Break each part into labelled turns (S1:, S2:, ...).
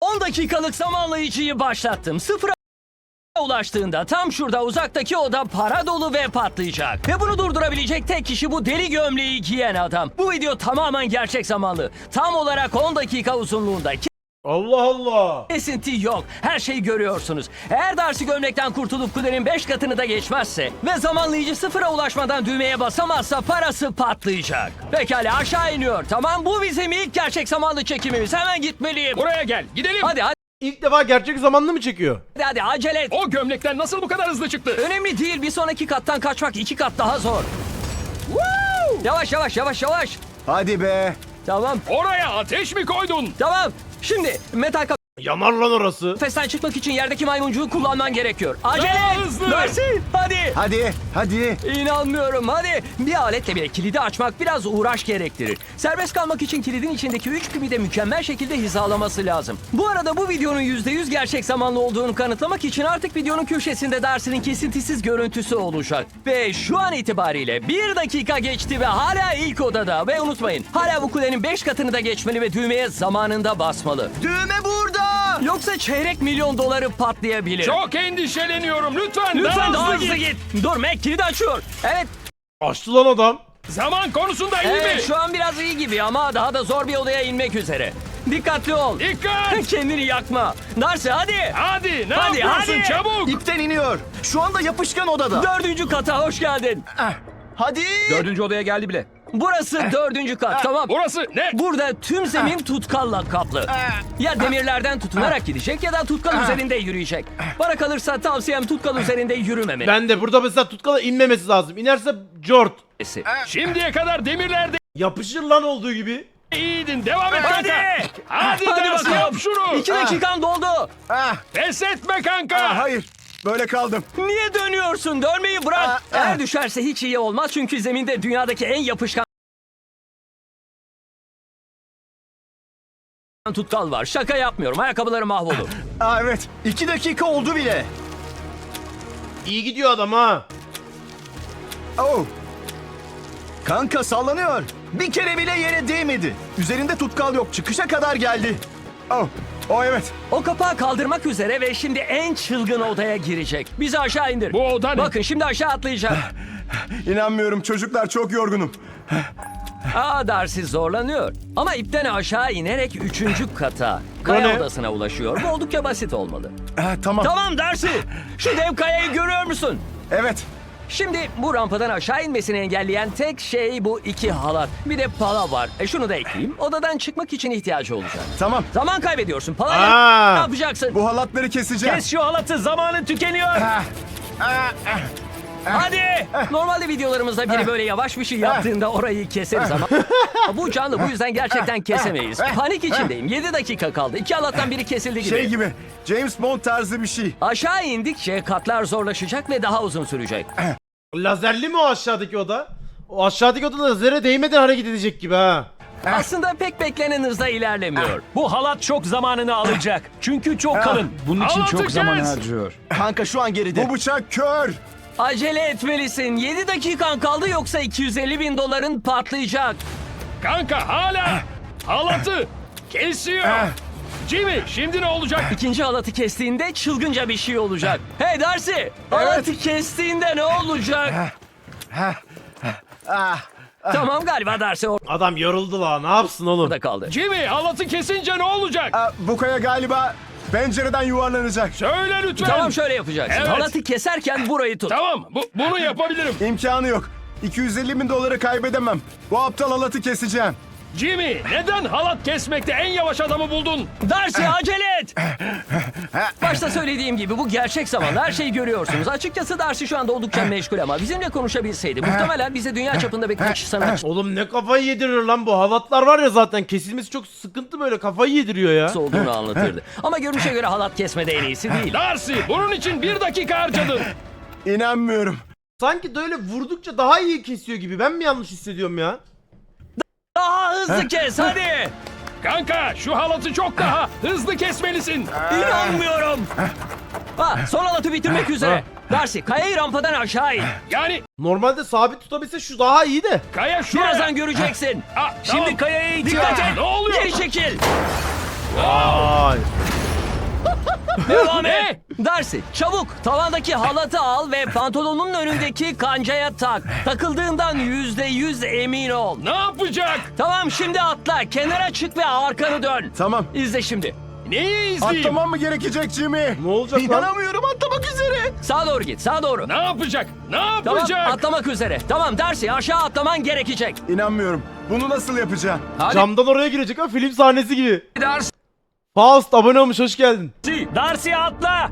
S1: 10 dakikalık zamanlayıcıyı başlattım. Sıfıra ulaştığında tam şurada uzaktaki oda para dolu ve patlayacak. Ve bunu durdurabilecek tek kişi bu deli gömleği giyen adam. Bu video tamamen gerçek zamanlı. Tam olarak 10 dakika uzunluğunda.
S2: Allah Allah.
S1: Kesinti yok. Her şeyi görüyorsunuz. Eğer Darcy gömlekten kurtulup kulenin 5 katını da geçmezse ve zamanlayıcı sıfıra ulaşmadan düğmeye basamazsa parası patlayacak. Pekala aşağı iniyor. Tamam bu bizim ilk gerçek zamanlı çekimimiz. Hemen gitmeliyim.
S3: Buraya gel. Gidelim.
S1: Hadi
S2: İlk defa gerçek zamanlı mı çekiyor?
S1: hadi acele et.
S3: O gömlekten nasıl bu kadar hızlı çıktı?
S1: Önemli değil. Bir sonraki kattan kaçmak 2 kat daha zor. Yavaş yavaş yavaş yavaş.
S4: Hadi be.
S1: Tamam
S3: Oraya ateş mi koydun?
S1: tamam. Şimdi metal
S2: Yanar lan orası.
S1: kafesten çıkmak için yerdeki maymuncuğu kullanman gerekiyor. Acele
S3: Daha
S1: et.
S3: hızlı.
S1: Darcy hadi.
S4: Hadi.
S1: İnanmıyorum hadi. Bir aletle bile kilidi açmak biraz uğraş gerektirir. Serbest kalmak için kilidin içindeki 3 pimi de mükemmel şekilde hizalaması lazım. Bu arada bu videonun %100 gerçek zamanlı olduğunu kanıtlamak için artık videonun köşesinde Darcy'nin kesintisiz görüntüsü olacak. Ve şu an itibariyle 1 dakika geçti ve hala ilk odada. Ve unutmayın hala bu kulenin 5 katını da geçmeli ve düğmeye zamanında basmalı.
S4: Düğme burada.
S1: Yoksa çeyrek milyon doları patlayabilir.
S3: Çok endişeleniyorum. Lütfen
S1: Lütfen
S3: daha hızlı git.
S1: Dur Mac kilidi açıyor. Evet.
S2: Açtı lan adam.
S3: Zaman konusunda iyi
S1: Evet
S3: mi?
S1: şu an biraz iyi gibi ama daha da zor bir odaya inmek üzere. Dikkatli ol.
S3: Dikkat.
S1: Kendini yakma. Darcy hadi.
S3: Hadi ne
S1: Hadi,
S3: yapıyorsun
S1: hadi.
S3: çabuk?
S4: İpten iniyor. Şu anda yapışkan odada.
S1: 4. kata hoş geldin.
S4: Hadi.
S3: 4. odaya geldi bile.
S1: Burası 4. kat tamam.
S3: Burası ne?
S1: Burada tüm zemin tutkalla kaplı. Ya demirlerden tutunarak gidecek ya da tutkal üzerinde yürüyecek. Bana kalırsa tavsiyem tutkal üzerinde yürümemesi.
S2: Ben de burada mesela tutkala inmemesi lazım. İnerse cort.
S3: Şimdiye kadar demirlerde
S2: Yapışır lan olduğu gibi.
S3: iyiydin. Devam et
S1: Hadi.
S3: kanka. Hadi Darcy
S1: bakalım.
S3: yap şunu.
S1: 2 dakikan doldu.
S3: Pes etme kanka.
S4: Hayır. Böyle kaldım.
S1: Niye dönüyorsun? Dönmeyi bırak. Eğer düşerse hiç iyi olmaz çünkü zeminde dünyadaki en yapışkan tutkal var. Şaka yapmıyorum. Ayakkabıları mahvolur.
S4: Evet. 2 dakika oldu bile.
S2: İyi gidiyor adam ha.
S4: Oh. Kanka sallanıyor. Bir kere bile yere değmedi. Üzerinde tutkal yok. Çıkışa kadar geldi. Oh evet.
S1: O kapağı kaldırmak üzere ve şimdi en çılgın odaya girecek. Bizi aşağı indir.
S3: Bu oda ne?
S1: Bakın şimdi aşağı atlayacak.
S4: İnanmıyorum çocuklar, çok yorgunum.
S1: Darcy zorlanıyor. Ama ipten aşağı inerek 3. kata, kaya
S2: ne?
S1: odasına ulaşıyor. Bu oldukça basit olmalı.
S4: Tamam.
S1: Tamam Darcy. Şu dev kayayı görüyor musun?
S4: Evet.
S1: Şimdi bu rampadan aşağı inmesini engelleyen tek şey bu 2 halat. Bir de pala var. Şunu da ekleyeyim. Odadan çıkmak için ihtiyacı olacak.
S4: Tamam.
S1: Zaman kaybediyorsun. Palayla
S2: Aa.
S1: ne yapacaksın?
S4: Bu halatları keseceğim.
S1: Kes şu halatı. Zamanın tükeniyor. Hadi. Normalde videolarımızda biri böyle yavaş bir şey yaptığında orayı keseriz ama bu canlı, bu yüzden gerçekten kesemeyiz. Panik içindeyim. 7 dakika kaldı. 2 halattan biri kesildi gibi.
S4: Şey gibi. James Bond tarzı bir şey.
S1: Aşağı indikçe katlar zorlaşacak ve daha uzun sürecek.
S2: Lazerli mi o aşağıdaki oda? O aşağıdaki oda lazere değmeden hareket edecek gibi ha.
S1: Aslında pek beklenen hızda ilerlemiyor.
S5: Bu halat çok zamanını alacak. Çünkü çok kalın. Bunun için
S3: Halatı
S5: çok zaman
S3: kes.
S5: harcıyor.
S4: Kanka şu an geride. Bu bıçak kör.
S1: Acele etmelisin. 7 dakikan kaldı yoksa 250 bin doların patlayacak.
S3: Kanka hala halatı kesiyor. Jimmy şimdi ne olacak?
S1: İkinci halatı kestiğinde çılgınca bir şey olacak. Hey Darcy! Halatı kestiğinde ne olacak? Tamam galiba Darcy
S2: Adam yoruldu la, ne yapsın oğlum?
S1: orada kaldı.
S3: Jimmy halatı kesince ne olacak?
S4: Bu kaya galiba pencereden yuvarlanacak.
S3: Söyle lütfen.
S1: Tamam şöyle yapacaksın.
S3: Evet.
S1: Halatı keserken burayı tut.
S3: Tamam bunu yapabilirim.
S4: İmkanı yok. 250 bin doları kaybedemem. Bu aptal halatı keseceğim.
S3: Jimmy neden halat kesmekte en yavaş adamı buldun?
S1: Darcy acele et! Başta söylediğim gibi bu gerçek zamanda her şeyi görüyorsunuz. Açıkçası Darcy şu anda oldukça meşgul ama bizimle konuşabilseydi muhtemelen bize dünya çapında birkaç sanatçı
S2: Oğlum ne kafayı yedirir lan bu halatlar var ya, zaten kesilmesi çok sıkıntı, böyle kafayı yediriyor ya.
S1: olduğunu anlatırdı. Ama görünüşe göre halat kesmede en iyisi değil.
S3: Darcy bunun için 1 dakika harcadın.
S4: İnanmıyorum.
S2: Sanki böyle vurdukça daha iyi kesiyor gibi, ben mi yanlış hissediyorum ya?
S1: Daha hızlı kes hadi!
S3: Kanka şu halatı çok daha hızlı kesmelisin.
S1: İnanmıyorum! Son halatı bitirmek üzere. Darcy kayayı rampadan aşağı in.
S3: Yani
S2: Normalde sabit tutabilse şu daha iyi de.
S3: kaya şuraya.
S1: Birazdan göreceksin.
S3: Tamam.
S1: Şimdi kayaya
S3: Dikkat
S1: dikkat
S3: et.
S1: et.
S3: Ne oluyor?
S1: Geri çekil.
S2: Ay.
S1: Devam
S3: Ne?
S1: et. Darcy çabuk tavandaki halatı al ve pantolonun önündeki kancaya tak. Takıldığından %100 emin ol.
S3: Ne yapacak?
S1: Tamam şimdi atla. Kenara çık ve arkanı dön.
S4: Tamam.
S1: İzle şimdi.
S3: Neyi izleyeyim?
S4: Atlamam mı gerekecek Jimmy?
S2: Ne olacak lan?
S4: İnanamıyorum, atlamak üzere.
S1: Sağa doğru git. Sağa doğru.
S3: Ne yapacak? Ne
S1: Tamam
S3: yapacak?
S1: atlamak üzere. Tamam Darcy aşağı atlaman gerekecek.
S4: İnanmıyorum. Bunu nasıl yapacağım?
S2: Camdan oraya girecek ha, film sahnesi gibi.
S5: Darcy.
S2: Faust abone olmuş, hoş geldin.
S5: Darcy atla.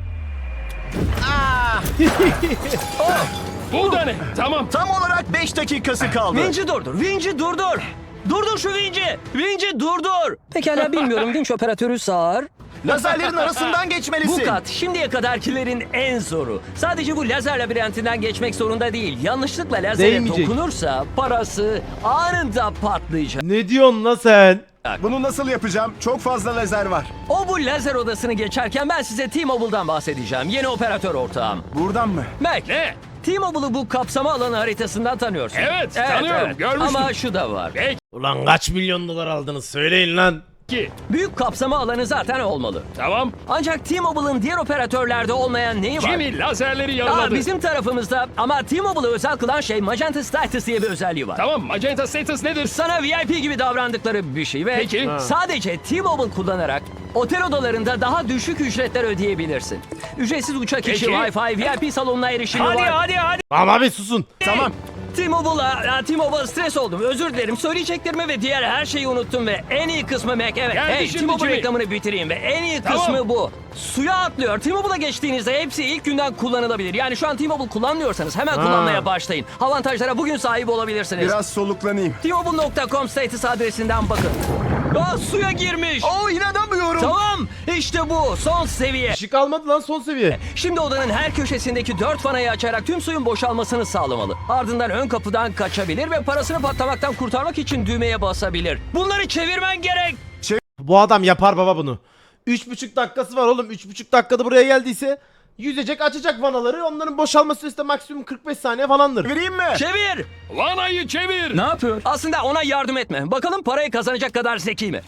S3: Bu da ne? Tamam.
S4: Tam olarak 5 dakikası kaldı.
S1: Vinci durdur. Vinci durdur. Durdur şu Vinci. Vinci durdur. Pekala bilmiyorum. Vinç operatörü sağır.
S4: Lazerlerin arasından geçmelisin.
S1: Bu kat şimdiye kadarkilerin en zoru. Sadece bu lazer labirentinden geçmek zorunda değil. Yanlışlıkla lazere
S2: Değmeyecek.
S1: dokunursa parası anında patlayacak.
S2: Ne diyorsun lan sen?
S4: Bunu nasıl yapacağım? Çok fazla lazer var.
S1: O bu lazer odasını geçerken ben size T-Mobile'dan bahsedeceğim. Yeni operatör ortağım.
S4: Buradan mı?
S1: Mac.
S3: Ne?
S1: T-Mobile'ı bu kapsama alanı haritasından tanıyorsun.
S3: Evet, tanıyorum, görmüştüm.
S1: Ama şu da var.
S2: Ulan kaç milyon dolar aldınız söyleyin lan.
S3: Peki.
S1: Büyük kapsama alanı zaten olmalı.
S3: Tamam.
S1: Ancak T-Mobile'ın diğer operatörlerde olmayan neyi var?
S3: Jimmy lazerleri yarıladı.
S1: Bizim tarafımızda ama T-Mobile'ı özel kılan şey Magenta Status diye bir özelliği var.
S3: Tamam, Magenta Status nedir?
S1: Sana VIP gibi davrandıkları bir şey ve
S3: Peki.
S1: sadece T-Mobile kullanarak otel odalarında daha düşük ücretler ödeyebilirsin. Ücretsiz uçak içi
S3: Peki.
S1: Wi-Fi, VIP salonuna erişimi var.
S5: Hadi.
S2: Tamam abi susun.
S4: Tamam.
S1: T-Mobile stres oldum. Özür dilerim. Söyleyeceklerimi ve diğer her şeyi unuttum ve en iyi kısmı Mac. Evet.
S3: Geldi
S1: Hey,
S3: şimdi
S1: T-Mobile
S3: Jimmy.
S1: reklamını bitireyim ve en iyi
S3: Tamam.
S1: kısmı bu. Suya atlıyor. T-Mobile'a geçtiğinizde hepsi ilk günden kullanılabilir. Yani şu an T-Mobile kullanmıyorsanız hemen kullanmaya başlayın. Avantajlara bugün sahip olabilirsiniz.
S4: Biraz soluklanayım.
S1: T-Mobile.com status adresinden bakın. Suya girmiş.
S4: Oo, inanamıyorum.
S1: Tamam. İşte bu. Son seviye.
S2: Işık almadı lan, son seviye.
S1: Şimdi odanın her köşesindeki 4 vanayı açarak tüm suyun boşalmasını sağlamalı. Ardından ön kapıdan kaçabilir ve parasını patlamaktan kurtarmak için düğmeye basabilir. Bunları çevirmen gerek.
S2: Bu adam yapar baba bunu. 3,5 dakikası var oğlum. 3,5 dakikada buraya geldiyse yüzecek, açacak vanaları. Onların boşalma süresi de maksimum 45 saniye falandır.
S4: Vereyim mi?
S1: Çevir.
S3: Vanayı çevir.
S5: Ne yapıyor?
S1: Aslında ona yardım etme. Bakalım parayı kazanacak kadar zeki mi?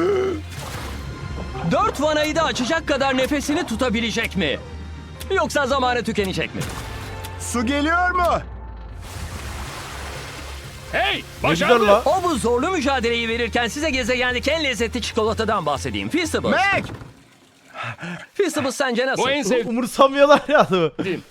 S1: 4 vanayı da açacak kadar nefesini tutabilecek mi? Yoksa zamanı tükenecek mi?
S4: Su geliyor mu?
S3: Hey,
S2: Ne güzel
S3: başardı.
S2: la.
S1: O bu zorlu mücadeleyi verirken size gezegendeki en lezzetli çikolatadan bahsedeyim. Feastables.
S4: Mac!
S1: Feastables sence nasıl?
S3: Bu en sevdiğim.
S2: Umursamıyorlar ya adamı.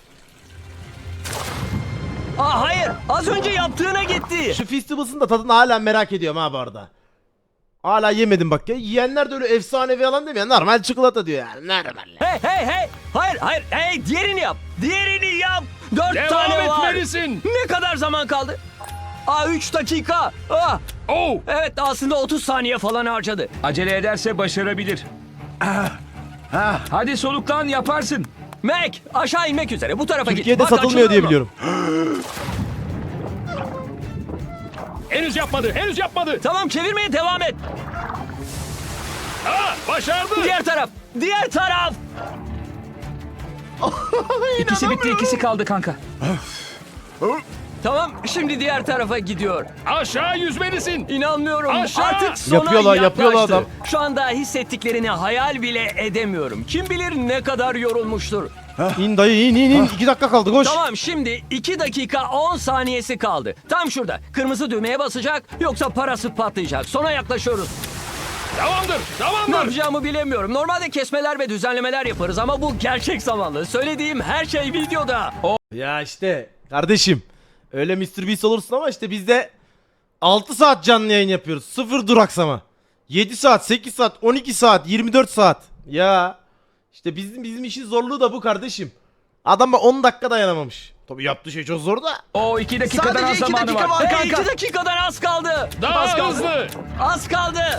S1: Hayır. Az önce yaptığına gitti.
S2: Şu Feastables'ın da tadını hala merak ediyorum ha bu arada. Hala yemedim bak ya. Yiyenler de öyle efsanevi falan demiyor. Normal çikolata diyor yani. Normal.
S1: Hey. Hayır. Hey, diğerini yap. Diğerini yap. 4
S3: Devam
S1: tane var.
S3: etmelisin.
S1: Ne kadar zaman kaldı? 3 dakika.
S3: Oh.
S1: Evet aslında 30 saniye falan harcadı.
S5: Acele ederse başarabilir. Hadi soluklan, yaparsın.
S1: Mac aşağı inmek üzere. Bu tarafa
S2: Türkiye'de
S1: git. Bak,
S2: satılmıyor diye
S1: açılıyor mu?
S2: biliyorum.
S3: Henüz yapmadı.
S1: Tamam çevirmeye devam et.
S3: Başardı.
S1: Diğer taraf.
S5: İkisi bitti, ikisi kaldı kanka.
S1: Tamam şimdi diğer tarafa gidiyor.
S3: Aşağı yüzmelisin.
S1: İnanmıyorum.
S3: Aşağı.
S1: Artık sona
S2: Yapıyorlar
S1: yaklaştı.
S2: adam.
S1: Şu anda hissettiklerini hayal bile edemiyorum. Kim bilir ne kadar yorulmuştur.
S2: İn dayı in. 2 dakika kaldı koş.
S1: Tamam şimdi 2 dakika 10 saniyesi kaldı. Tam şurada. Kırmızı düğmeye basacak yoksa parası patlayacak. Sona yaklaşıyoruz.
S3: Tamamdır.
S1: Ne yapacağımı bilemiyorum. Normalde kesmeler ve düzenlemeler yaparız ama bu gerçek zamanlı. Söylediğim her şey videoda.
S2: Ya işte kardeşim. Öyle Mr. Beast olursun ama işte bizde 6 saat canlı yayın yapıyoruz. 0 duraksama. 7 saat, 8 saat, 12 saat, 24 saat. Ya işte bizim işin zorluğu da bu kardeşim. Adam 10 dakika dayanamamış. Tabii yaptığı şey çok zor da.
S5: O 2 dakikadan
S4: Sadece
S5: az
S4: 2
S5: zamanı
S4: dakika
S5: var.
S4: var
S1: Hey,
S4: kanka.
S1: 2 dakikadan az kaldı.
S3: Daha
S1: Az kaldı.
S3: hızlı.
S1: Az kaldı.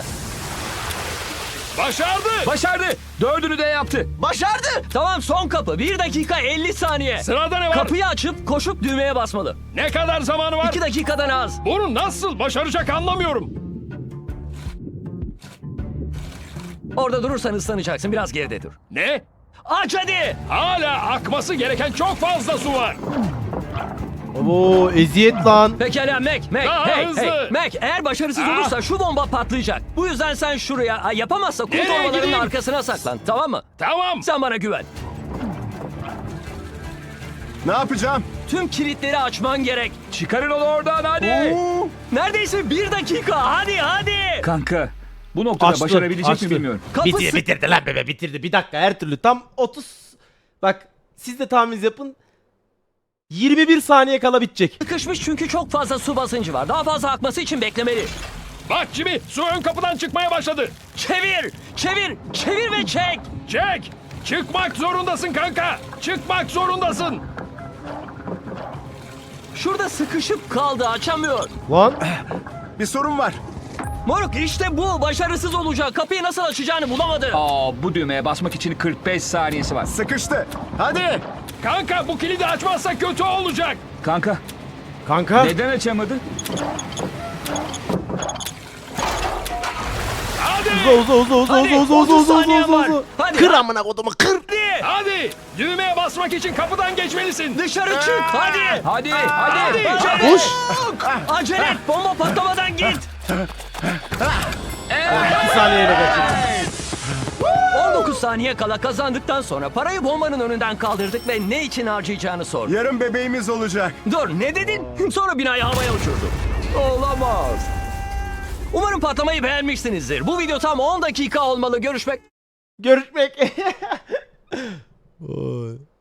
S3: Başardı.
S5: 4'ünü de yaptı.
S4: Başardı.
S1: Tamam son kapı. 1 dakika 50 saniye.
S3: Sırada ne var?
S1: Kapıyı açıp koşup düğmeye basmalı.
S3: Ne kadar zamanı var?
S1: 2 dakikadan az.
S3: Bunu nasıl başaracak anlamıyorum.
S1: Orada durursan ıslanacaksın. Biraz geride dur.
S3: Ne?
S1: Aç hadi.
S3: Hala akması gereken çok fazla su var.
S2: Oo eziyet lan.
S1: Pekala Mac,
S3: Daha
S1: hey,
S3: hızlı.
S1: hey, Mac, eğer başarısız
S3: Ah.
S1: olursa şu bomba patlayacak. Bu yüzden sen şuraya, yapamazsa kum
S3: Nereye
S1: torbalarının
S3: gideyim?
S1: arkasına saklan, tamam mı?
S3: Tamam.
S1: Sen bana güven.
S4: Ne yapacağım?
S1: Tüm kilitleri açman gerek.
S5: Çıkarın onu oradan hadi.
S4: Oo,
S1: Neredeyse 1 dakika, hadi.
S5: Kanka bu noktada
S2: Açtı,
S5: başarabilecek
S2: açtı.
S5: mi bilmiyorum.
S1: Kapı
S2: Bitirdi lan bebe bitirdi. Bir dakika her türlü tam 30. Bak siz de tahmin yapın. 21 saniye kala bitecek.
S1: sıkışmış çünkü çok fazla su basıncı var. Daha fazla akması için beklemeli.
S3: Bak Jimmy, su ön kapıdan çıkmaya başladı.
S1: Çevir ve çek.
S3: Çek. Çıkmak zorundasın kanka. Çıkmak zorundasın.
S1: Şurada sıkışıp kaldı, açamıyor.
S2: Lan
S4: bir sorun var.
S1: Moruk işte bu, başarısız olacak. Kapıyı nasıl açacağını bulamadı.
S5: Aa bu düğmeye basmak için 45 saniyesi var.
S4: Sıkıştı. Hadi.
S3: Kanka bu kilidi açmazsak kötü olacak.
S2: kanka.
S5: Neden açamadı?
S3: Hadi.
S1: Hadi, 30 saniyen var. Hadi.
S2: Kır amına kodumu kır.
S3: Hadi. Düğmeye basmak için kapıdan geçmelisin.
S1: Dışarı çık, hadi.
S5: Hadi.
S2: Koş.
S1: Acele et, bomba patlamadan git.
S2: 2 saniyeyle kaçırdı.
S1: 19 saniye kala kazandıktan sonra parayı bombanın önünden kaldırdık ve ne için harcayacağını sordu.
S4: Yarın bebeğimiz olacak.
S1: Dur, ne dedin? Sonra binayı havaya uçurdu. Olamaz. Umarım patlamayı beğenmişsinizdir. Bu video tam 10 dakika olmalı. Görüşmek
S2: Görüşmek. Oy.